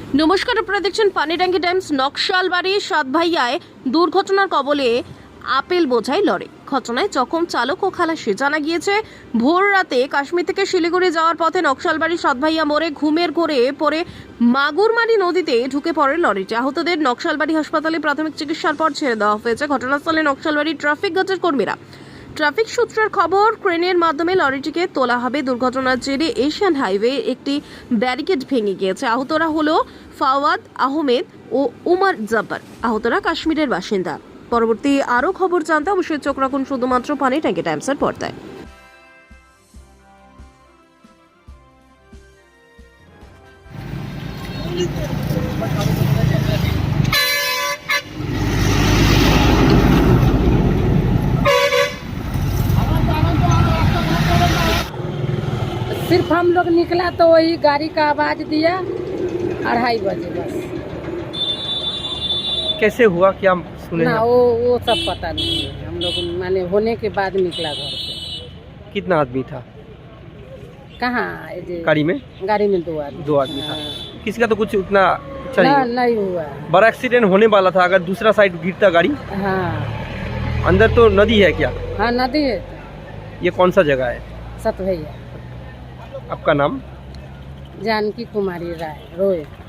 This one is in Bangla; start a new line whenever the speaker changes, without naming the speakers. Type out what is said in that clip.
নমস্কার, আপনারা দেখছেন পানিট্যাঙ্কি টাইমস। নকশালবাড়ি সাতভাইয়ায় দুর্ঘটনার কবলে আপেল বোঝাই লরি। ঘটনায় জখম চালক ও খালাসি। জানা গিয়েছে, ভোর রাতে কাশ্মীর থেকে শিলিগুড়ি যাওয়ার পথে নকশালবাড়ি সাতভাইয়া মোড়ে ঘুমের ঘোরে পড়ে মাগুরমারি নদীতে ঢুকে পড়ে লরিটি। আহতদের নকশালবাড়ি হাসপাতালে প্রাথমিক চিকিৎসার পর ছেড়ে দেওয়া হয়েছে। ঘটনাস্থলে নকশালবাড়ি ট্রাফিক গার্ডের কর্মীরা। ট্রাফিক সূত্রের খবর, ক্রেনের মাধ্যমে লরিটিকে তোলা হবে। দুর্ঘটনার জেরে এশিয়ান হাইওয়ে একটি ব্যারিকেড ভেঙে গিয়েছে। আহতরা হলো ফাওয়াদ আহমেদ ও উমর জব্বার। আহতরা কাশ্মীরের বাসিন্দা। পরবর্তী আরও খবর জানতে অবশ্যই চোখ রাখুন শুধুমাত্র পানিট্যাঙ্কি টাইমসের পর্দায়।
सिर्फ हम लोग निकला तो वही गाड़ी का आवाज दिया 2:30 बजे बस।
कैसे हुआ, क्या सुने
ना
हैं?
वो सब पता नहीं है। हम लोग माने होने के बाद निकला घर से।
कितना आदमी था
कहाँ
गाड़ी में?
गाड़ी में 2 आदमी।
2 आदमी था।
हाँ।
किसी का तो कुछ उतना
ना
चाहिए।
नहीं हुआ।
बड़ा एक्सीडेंट होने वाला था अगर दूसरा साइड गिरता गाड़ी।
हाँ
अंदर तो नदी है क्या?
हाँ नदी है।
ये कौन सा जगह है?
सतभैया।
आपका नाम?
जानकी कुमारी राय रोय।